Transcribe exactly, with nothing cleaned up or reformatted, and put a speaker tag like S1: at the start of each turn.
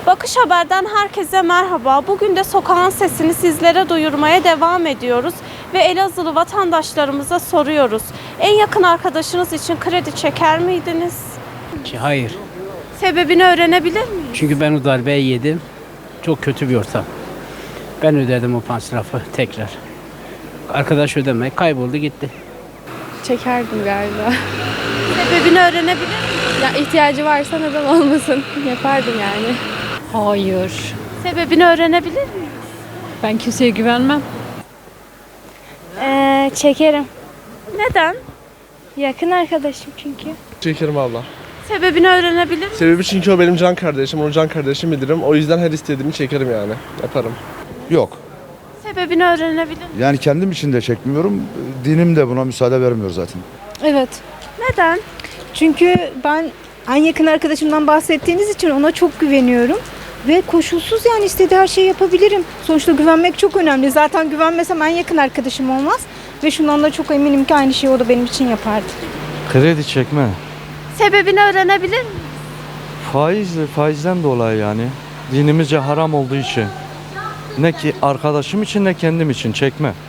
S1: Bakış Haber'den herkese merhaba. Bugün de sokağın sesini sizlere duyurmaya devam ediyoruz ve Elazığlı vatandaşlarımıza soruyoruz. En yakın arkadaşınız için kredi çeker miydiniz?
S2: Hayır.
S1: Sebebini öğrenebilir miyim?
S2: Çünkü ben o darbeyi yedim. Çok kötü bir ortam. Ben ödedim o masrafı tekrar. Arkadaş ödeme kayboldu gitti.
S3: Çekerdim galiba.
S1: Sebebini öğrenebilir miyim?
S3: Ya ihtiyacı varsa neden olmasın? Yapardım yani.
S4: Hayır.
S1: Sebebini öğrenebilir miyim?
S4: Ben kimseye güvenmem.
S5: Ee, çekerim.
S1: Neden?
S5: Yakın arkadaşım çünkü.
S6: Çekerim abla.
S1: Sebebini öğrenebilir miyim?
S6: Sebebi çünkü o benim can kardeşim, onu can kardeşim bilirim. O yüzden her istediğimi çekerim yani. Yaparım.
S7: Yok.
S1: Sebebini öğrenebilir miyim?
S7: Yani kendim için de çekmiyorum. Dinim de buna müsaade vermiyor zaten.
S8: Evet.
S1: Neden?
S8: Çünkü ben en yakın arkadaşımdan bahsettiğiniz için ona çok güveniyorum. Ve koşulsuz yani istediği her şeyi yapabilirim. Sonuçta güvenmek çok önemli. Zaten güvenmesem en yakın arkadaşım olmaz. Ve şundan da çok eminim ki aynı şeyi o da benim için yapardı.
S9: Kredi çekme.
S1: Sebebini öğrenebilir miyim?
S9: Faiz, faizden dolayı yani. Dinimizce haram olduğu için. Ne ki arkadaşım için ne kendim için çekme.